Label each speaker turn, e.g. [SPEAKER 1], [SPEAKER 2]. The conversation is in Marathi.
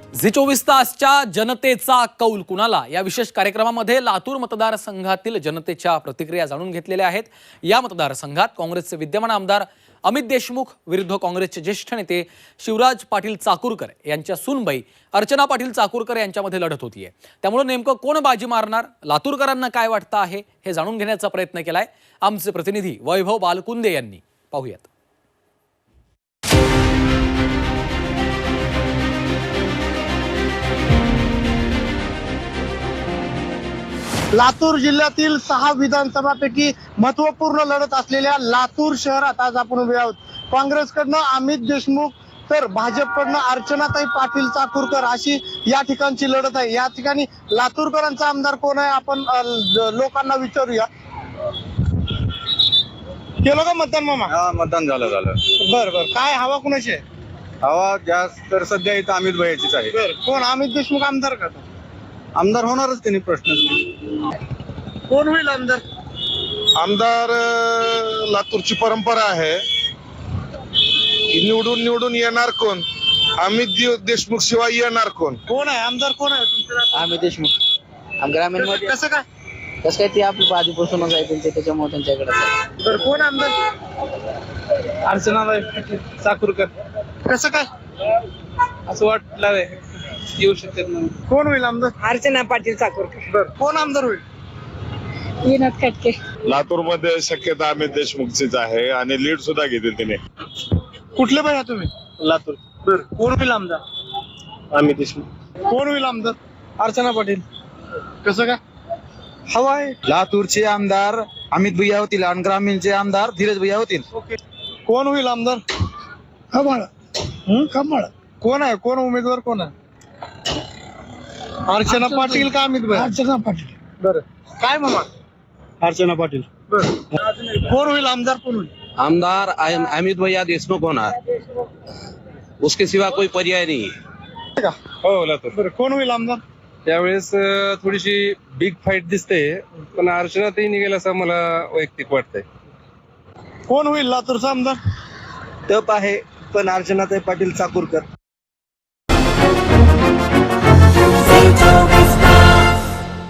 [SPEAKER 1] झी 24 तासच्या जनतेचा कौल कुणाला या विशेष कार्यक्रमामध्ये लातूर मतदारसंघातील जनतेच्या प्रतिक्रिया जाणून घेतलेल्या आहेत। या मतदारसंघात काँग्रेसचे विद्यमान आमदार अमित देशमुख विरुद्ध काँग्रेसचे ज्येष्ठ नेते शिवराज पाटील चाकूरकर यांच्या सूनबाई अर्चना पाटील चाकूरकर यांच्यामध्ये लढत होतीये। त्यामुळे नेमकं कोण बाजी मारणार, लातूरकरांना काय वाटतं आहे हे जाणून घेण्याचा प्रयत्न केलाय आमचे प्रतिनिधी वैभव बालकुंदे यांनी। पाहूयात।
[SPEAKER 2] लातूर जिल्ह्यातील 6 विधानसभापैकी महत्वपूर्ण लढत असलेल्या लातूर शहरात आज आपण उभे आहोत। काँग्रेसकडनं अमित देशमुख तर भाजपकडनं अर्चनाताई पाटील चाकूरकर अशी या ठिकाणची लढत आहे। या ठिकाणी लातूरकरांचा आमदार कोण आहे आपण लोकांना विचारूया। केलं का मतदान मामा?
[SPEAKER 3] हा, मतदान झालं।
[SPEAKER 2] बर बर, काय हवा कुणाची आहे?
[SPEAKER 3] हवा जास्त तर सध्या इथं अमित भैयाचीच आहे।
[SPEAKER 2] बर, कोण अमित देशमुख आमदार का?
[SPEAKER 3] आमदार होणारच त्यांनी, प्रश्न नाही।
[SPEAKER 2] कोण होईल आमदार?
[SPEAKER 4] आमदार लातूरची परंपरा आहे, निवडून येणार कोण? अमित देशमुख शिवाय येणार कोण?
[SPEAKER 2] कोण आहे आमदार? कोण आहे तुमच्या?
[SPEAKER 5] अमित देशमुख ग्रामीण मध्ये
[SPEAKER 2] कसं काय?
[SPEAKER 5] कसं काय ते आपली आधीपासूनच आहे त्यांचे, त्याच्यामुळे त्यांच्याकडे
[SPEAKER 2] बर, कोण आमदार?
[SPEAKER 6] अर्चनाताई चाकूरकर
[SPEAKER 2] कसं काय
[SPEAKER 6] असं वाटलं येऊ शकतात म्हणून।
[SPEAKER 2] कोण होईल आमदार?
[SPEAKER 5] अर्चना पाटील चाकूरकर।
[SPEAKER 2] बर, कोण आमदार होईल?
[SPEAKER 5] विनोद खटके।
[SPEAKER 4] लातूरमध्ये शक्यता अमित देशमुखचीच आहे आणि लीड सुद्धा घेतील तिने।
[SPEAKER 2] कुठले भैया तुम्ही?
[SPEAKER 6] लातूर।
[SPEAKER 2] बर, कोण होईल आमदार?
[SPEAKER 6] अमित देशमुख।
[SPEAKER 2] कोण होईल आमदार?
[SPEAKER 6] अर्चना पाटील।
[SPEAKER 2] कसं काय हवा आहे?
[SPEAKER 3] लातूरचे आमदार अमित भैया होतील आणि ग्रामीणचे आमदार धीरज भैया होतील।
[SPEAKER 2] ओके, कोण होईल आमदार? कमळ। कमळ कोण आहे? कोण उमेदवार कोण आहे? अर्चना पाटील का अमित भैया? अर्चना पाटील। बर, काय मामा?
[SPEAKER 6] अर्चना पाटील।
[SPEAKER 2] बर, कोण होईल आमदार? कोण होईल
[SPEAKER 7] आमदार? अमित भैया देशमुख होणार, उसके सिवा कोई पर्याय नहीं है।
[SPEAKER 6] हो, लातूर।
[SPEAKER 2] बर, कोण होईल आमदार?
[SPEAKER 6] त्यावेळेस थोडीशी बिग फाईट दिसते, पण अर्चनाताई निघेल असं मला वैयक्तिक वाटतंय।
[SPEAKER 2] कोण होईल लातूरचा आमदार?
[SPEAKER 3] टप आहे, पण अर्चनाताई पाटील चाकूरकर।